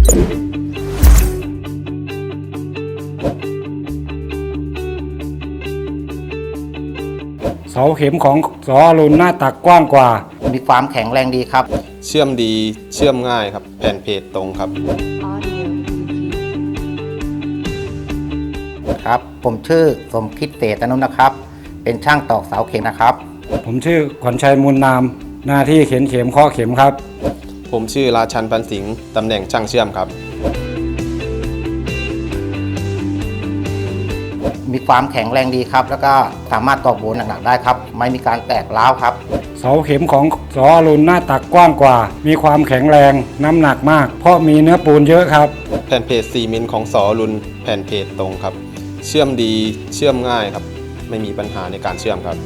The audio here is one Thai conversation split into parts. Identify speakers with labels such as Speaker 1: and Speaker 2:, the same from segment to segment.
Speaker 1: เสาเข็มของสอรุณหน้าตักกว้างกว่า
Speaker 2: มีความแข็งแรงดีครับ
Speaker 3: เชื่อมดีเชื่อมง่ายครับแผ่นเพจตรงครับ
Speaker 2: ครับผมชื่อสมคิดเศรษฐนุนะครับเป็นช่างตอกเสาเข็มนะครับ
Speaker 1: ผมชื่อขวัญชัยมูลนามหน้าที่เข็นเข็มเคาะเข็มครับ
Speaker 3: ผมชื่อราชันพันสิงห์ตำแหน่งช่างเชื่อมครับ
Speaker 2: มีความแข็งแรงดีครับแล้วก็สามารถตอกโบหนักๆได้ครับไม่มีการแตกร้าวครับ
Speaker 1: เสาเข็มของสอรุณหน้าตักกว้างกว่ามีความแข็งแรงน้ำหนักมากเพราะมีเนื้อปูนเยอะครับ
Speaker 3: แผ่นเพจ4มิลของสอรุณแผ่นเพจตรงครับเชื่อมดีเชื่อมง่ายครับไม่มีปัญหาในการเชื่อมครับ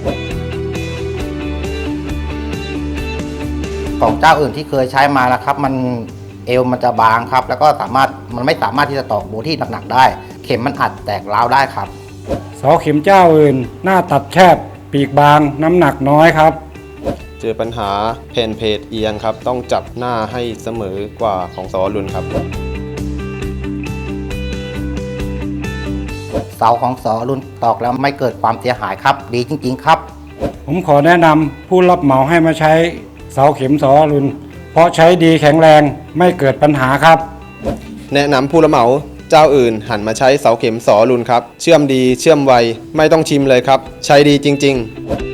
Speaker 2: ของเจ้าอื่นที่เคยใช้มาแล้วครับมันเอวมันจะบางครับแล้วก็มันไม่สามารถที่จะตอกโบที่หนักๆได้เข็มมันอาจแตกร้าวได้ครับ
Speaker 1: เสาเข็มเจ้าอื่นหน้าตัดแคบปีกบางน้ำหนักน้อยครับ
Speaker 3: เจอปัญหาแผ่นเพจเอียงครับต้องจับหน้าให้เสมอกว่าของสอรุณครับ
Speaker 2: เสาของสอรุณตอกแล้วไม่เกิดความเสียหายครับดีจริงๆครับ
Speaker 1: ผมขอแนะนำผู้รับเหมาให้มาใช้เสาเข็มสอรุณเพราะใช้ดีแข็งแรงไม่เกิดปัญหาครับ
Speaker 3: แนะนำผู้รับเหมาเจ้าอื่นหันมาใช้เสาเข็มสอรุณครับเชื่อมดีเชื่อมไวไม่ต้องชิมเลยครับใช้ดีจริงๆ